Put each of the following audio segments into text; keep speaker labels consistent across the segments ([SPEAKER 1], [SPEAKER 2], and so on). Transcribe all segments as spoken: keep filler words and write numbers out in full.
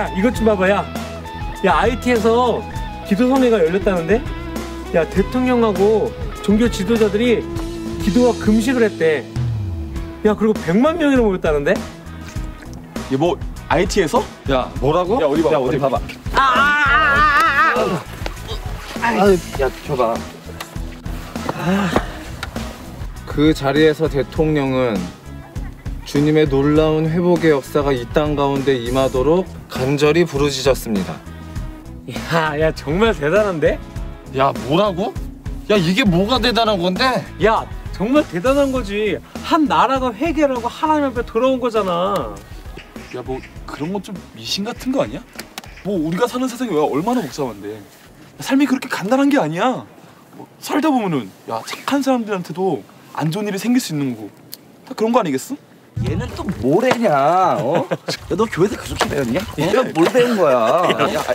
[SPEAKER 1] 이것 좀 봐봐. 야, 야 아이티에서 기도성회가 열렸다는데? 야, 대통령하고 종교 지도자들이 기도와 금식을 했대. 야, 그리고 백만 명이나 모였다는데?
[SPEAKER 2] 얘 뭐 아이티에서?
[SPEAKER 3] 야, 뭐라고?
[SPEAKER 2] 야, 어디 봐.
[SPEAKER 3] 야, 어디 봐봐. 아, 아, 아, 아, 아. 아, 야, 줘봐. 아. 그 자리에서 대통령은 주님의 놀라운 회복의 역사가 이 땅 가운데 임하도록 간절히 부르짖었습니다.
[SPEAKER 1] 야, 야, 정말 대단한데?
[SPEAKER 3] 야, 뭐라고? 야, 이게 뭐가 대단한 건데?
[SPEAKER 1] 야, 정말 대단한 거지. 한 나라가 회개를 하고 하나님 앞에 돌아온 거잖아.
[SPEAKER 2] 야, 뭐 그런 건 좀 미신 같은 거 아니야? 뭐 우리가 사는 세상이 왜 얼마나 복잡한데 삶이 그렇게 간단한 게 아니야. 뭐 살다 보면은 야 착한 사람들한테도 안 좋은 일이 생길 수 있는 거고 다 그런 거 아니겠어?
[SPEAKER 3] 얘는 또 뭐래냐? 어? 야, 너 교회에서 그렇게 배웠냐? 얘가 뭘 배운 거야? 야, 야,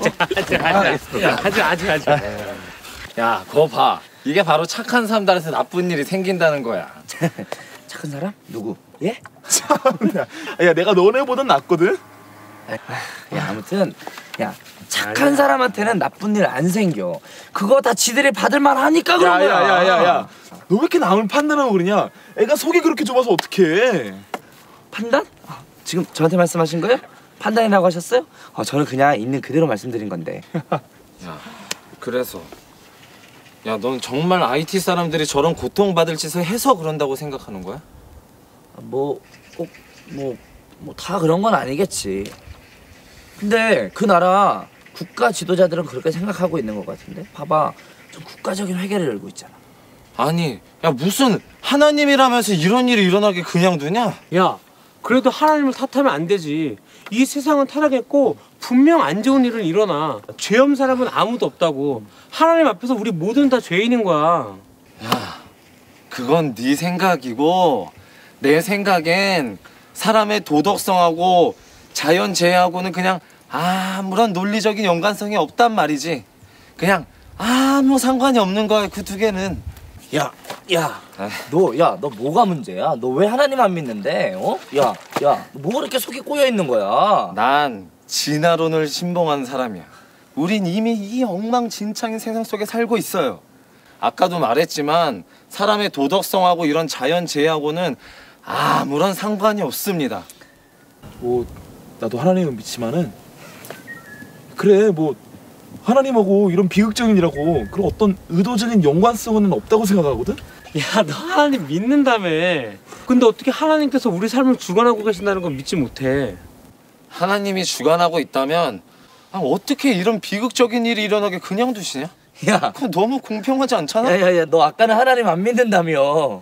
[SPEAKER 1] 하지 하지 하지.
[SPEAKER 3] 야, 그거 봐. 이게 바로 착한 사람들한테 나쁜 일이 생긴다는 거야. 착한 사람? 누구? 예?
[SPEAKER 2] 참나. 야, 내가 너네보단 낫거든.
[SPEAKER 3] 야, 아무튼 야, 착한 사람한테는 나쁜 일 안 생겨. 그거 다 지들이 받을 만하니까 그런 거야.
[SPEAKER 2] 야야야야야, 너 왜 이렇게 남을 판단하고 그러냐? 애가 속이 그렇게 좁아서 어떡해?
[SPEAKER 3] 판단? 아, 지금 저한테 말씀하신 거예요? 판단이라고 하셨어요? 어, 저는 그냥 있는 그대로 말씀드린 건데.
[SPEAKER 4] 야, 그래서 야, 넌 정말 아이티 사람들이 저런 고통받을 짓을 해서 그런다고 생각하는 거야?
[SPEAKER 3] 뭐 꼭 뭐 뭐 다 그런 건 아니겠지. 근데 그 나라 국가 지도자들은 그렇게 생각하고 있는 것 같은데. 봐봐, 좀 국가적인 회개를 열고 있잖아.
[SPEAKER 4] 아니, 야, 무슨 하나님이라면서 이런 일이 일어나게 그냥 두냐?
[SPEAKER 1] 야, 그래도 하나님을 탓하면 안 되지. 이 세상은 타락했고 분명 안 좋은 일은 일어나. 죄 없는 사람은 아무도 없다고. 하나님 앞에서 우리 모두는 다 죄인인 거야.
[SPEAKER 4] 야, 그건 네 생각이고 내 생각엔 사람의 도덕성하고 자연재해하고는 그냥 아무런 논리적인 연관성이 없단 말이지. 그냥 아무 상관이 없는 거야, 그 두 개는.
[SPEAKER 3] 야, 야, 너, 야, 너 뭐가 문제야? 너 왜 하나님 안 믿는데? 어? 야, 야, 너 뭐가 이렇게 속이 꼬여 있는 거야?
[SPEAKER 4] 난 진화론을 신봉한 사람이야. 우린 이미 이 엉망진창인 세상 속에 살고 있어요. 아까도 말했지만 사람의 도덕성하고 이런 자연재해하고는 아무런 상관이 없습니다.
[SPEAKER 2] 뭐 나도 하나님은 믿지만은 그래 뭐 하나님하고 이런 비극적인 일하고 그런 어떤 의도적인 연관성은 없다고 생각하거든?
[SPEAKER 1] 야, 너 하나님 믿는다며. 근데 어떻게 하나님께서 우리 삶을 주관하고 계신다는 건 믿지 못해.
[SPEAKER 4] 하나님이 주관하고 있다면 아, 어떻게 이런 비극적인 일이 일어나게 그냥 두시냐?
[SPEAKER 3] 야,
[SPEAKER 4] 그건 너무 공평하지 않잖아?
[SPEAKER 3] 야, 야, 야, 너 아까는 하나님 안 믿는다며.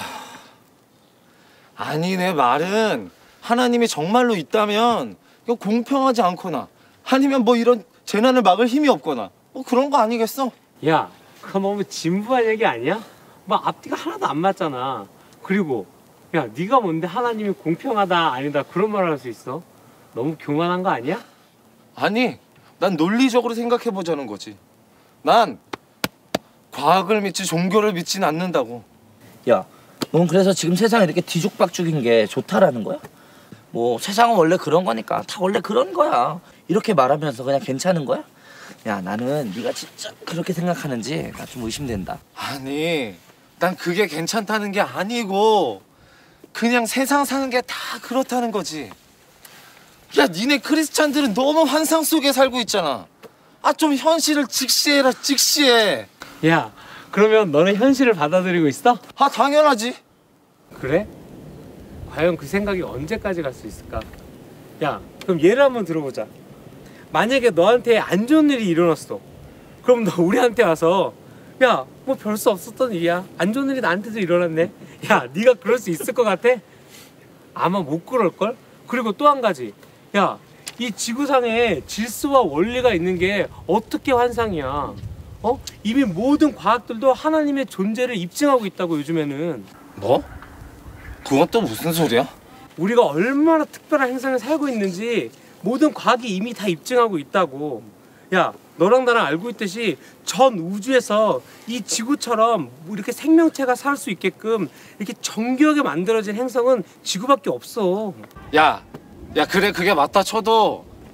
[SPEAKER 4] 아니, 내 말은 하나님이 정말로 있다면 이거 공평하지 않거나 아니면 뭐 이런 재난을 막을 힘이 없거나 뭐 그런 거 아니겠어?
[SPEAKER 1] 야, 그거 너무 진부한 얘기 아니야? 막 앞뒤가 하나도 안 맞잖아. 그리고 야, 네가 뭔데 하나님이 공평하다 아니다 그런 말을 할 수 있어? 너무 교만한 거 아니야?
[SPEAKER 4] 아니, 난 논리적으로 생각해보자는 거지. 난 과학을 믿지 종교를 믿지는 않는다고.
[SPEAKER 3] 야, 넌 그래서 지금 세상이 이렇게 뒤죽박죽인 게 좋다라는 거야? 뭐 세상은 원래 그런 거니까 다 원래 그런 거야. 이렇게 말하면서 그냥 괜찮은 거야? 야, 나는 네가 진짜 그렇게 생각하는지 나 좀 의심된다.
[SPEAKER 4] 아니, 난 그게 괜찮다는 게 아니고 그냥 세상 사는 게 다 그렇다는 거지. 야, 니네 크리스찬들은 너무 환상 속에 살고 있잖아. 아, 좀 현실을 직시해라, 직시해.
[SPEAKER 1] 야, 그러면 너는 현실을 받아들이고 있어?
[SPEAKER 4] 아, 당연하지.
[SPEAKER 1] 그래? 과연 그 생각이 언제까지 갈 수 있을까? 야, 그럼 예를 한번 들어보자. 만약에 너한테 안 좋은 일이 일어났어. 그럼 너 우리한테 와서 야, 뭐 별 수 없었던 일이야. 안 좋은 일이 나한테도 일어났네. 야, 네가 그럴 수 있을 것 같아? 아마 못 그럴걸? 그리고 또 한 가지. 야, 이 지구상에 질서와 원리가 있는 게 어떻게 환상이야? 어? 이미 모든 과학들도 하나님의 존재를 입증하고 있다고, 요즘에는.
[SPEAKER 4] 뭐? 그건 또 무슨 소리야?
[SPEAKER 1] 우리가 얼마나 특별한 행성에 살고 있는지 모든 과학이 이미 다 입증하고 있다고. 야, 너랑 나랑 알고 있듯이 전 우주에서 이 지구처럼 이렇게 생명체가 살 수 있게끔 이렇게 정교하게 만들어진 행성은 지구밖에 없어.
[SPEAKER 4] 야, 야, 그래, 그게 맞다 쳐도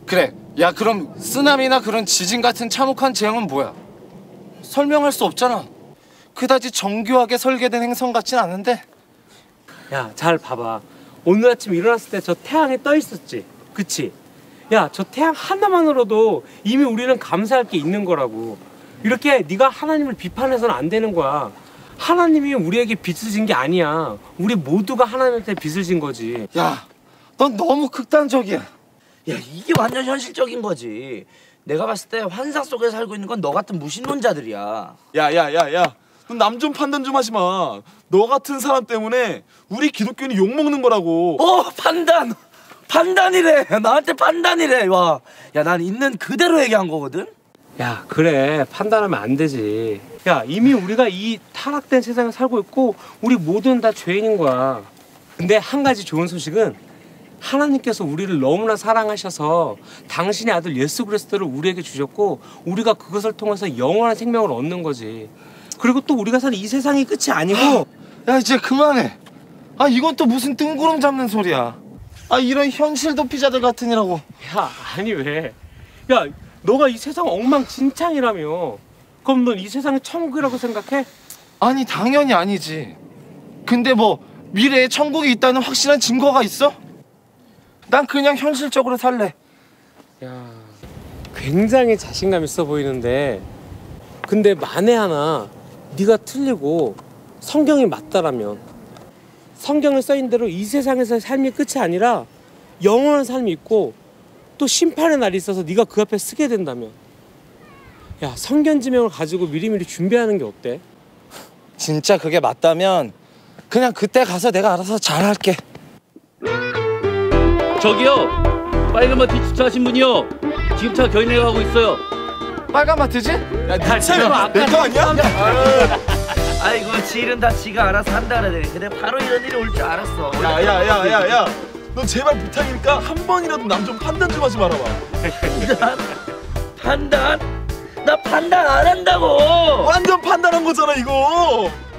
[SPEAKER 4] 그래. 야, 그럼 쓰나미나 그런 지진 같은 참혹한 재앙은 뭐야? 설명할 수 없잖아. 그다지 정교하게 설계된 행성 같진 않은데.
[SPEAKER 1] 야, 잘 봐봐. 오늘 아침 일어났을 때 저 태양이 떠 있었지. 그치? 야, 저 태양 하나만으로도 이미 우리는 감사할 게 있는 거라고. 이렇게 네가 하나님을 비판해서는 안 되는 거야. 하나님이 우리에게 빚을 진 게 아니야. 우리 모두가 하나님한테 빚을 진 거지.
[SPEAKER 4] 야, 넌 너무 극단적이야.
[SPEAKER 5] 야, 이게 완전 현실적인 거지. 내가 봤을 때 환상 속에 살고 있는 건 너 같은 무신론자들이야.
[SPEAKER 2] 야야야야, 너 남 좀 판단 좀 하지 마. 너 같은 사람 때문에 우리 기독교인이 욕 먹는 거라고.
[SPEAKER 5] 어, 판단! 판단이래! 나한테 판단이래! 와, 야, 난 있는 그대로 얘기한 거거든?
[SPEAKER 1] 야, 그래. 판단하면 안 되지. 야, 이미 우리가 이 타락된 세상에 살고 있고 우리 모두는 다 죄인인 거야. 근데 한 가지 좋은 소식은 하나님께서 우리를 너무나 사랑하셔서 당신의 아들 예수 그리스도를 우리에게 주셨고 우리가 그것을 통해서 영원한 생명을 얻는 거지. 그리고 또 우리가 사는 이 세상이 끝이 아니고.
[SPEAKER 4] 야, 이제 그만해. 아, 이건 또 무슨 뜬구름 잡는 소리야. 아, 이런 현실 도피자들 같으니라고.
[SPEAKER 1] 야, 아니 왜? 야, 너가 이 세상 엉망진창이라며. 그럼 넌 이 세상이 천국이라고 생각해?
[SPEAKER 4] 아니, 당연히 아니지. 근데 뭐 미래에 천국이 있다는 확실한 증거가 있어? 난 그냥 현실적으로 살래.
[SPEAKER 1] 야, 굉장히 자신감 있어 보이는데, 근데 만에 하나 네가 틀리고 성경이 맞다라면, 성경에 써인 대로 이 세상에서의 삶이 끝이 아니라 영원한 삶이 있고 또 심판의 날이 있어서 네가 그 앞에 서게 된다면, 야, 성견지명을 가지고 미리미리 준비하는 게 어때?
[SPEAKER 4] 진짜 그게 맞다면 그냥 그때 가서 내가 알아서 잘할게.
[SPEAKER 6] 저기요, 빨간 마트 주차하신 분이요. 지금 차 견인해 가고 있어요.
[SPEAKER 4] 빨간 마트지?
[SPEAKER 2] 야, 네 차야. 내 거 아니야?
[SPEAKER 5] 아이고, 지일은 다 지가 알아서 한다 그래. 근데 바로 이런 일이 올 줄 알았어.
[SPEAKER 2] 야야야야야, 너 제발 부탁이니까 한 번이라도 남 좀 판단 좀 하지 말아봐.
[SPEAKER 5] 판단? 나 판단 안 한다고.
[SPEAKER 2] 완전 판단한 거잖아 이거.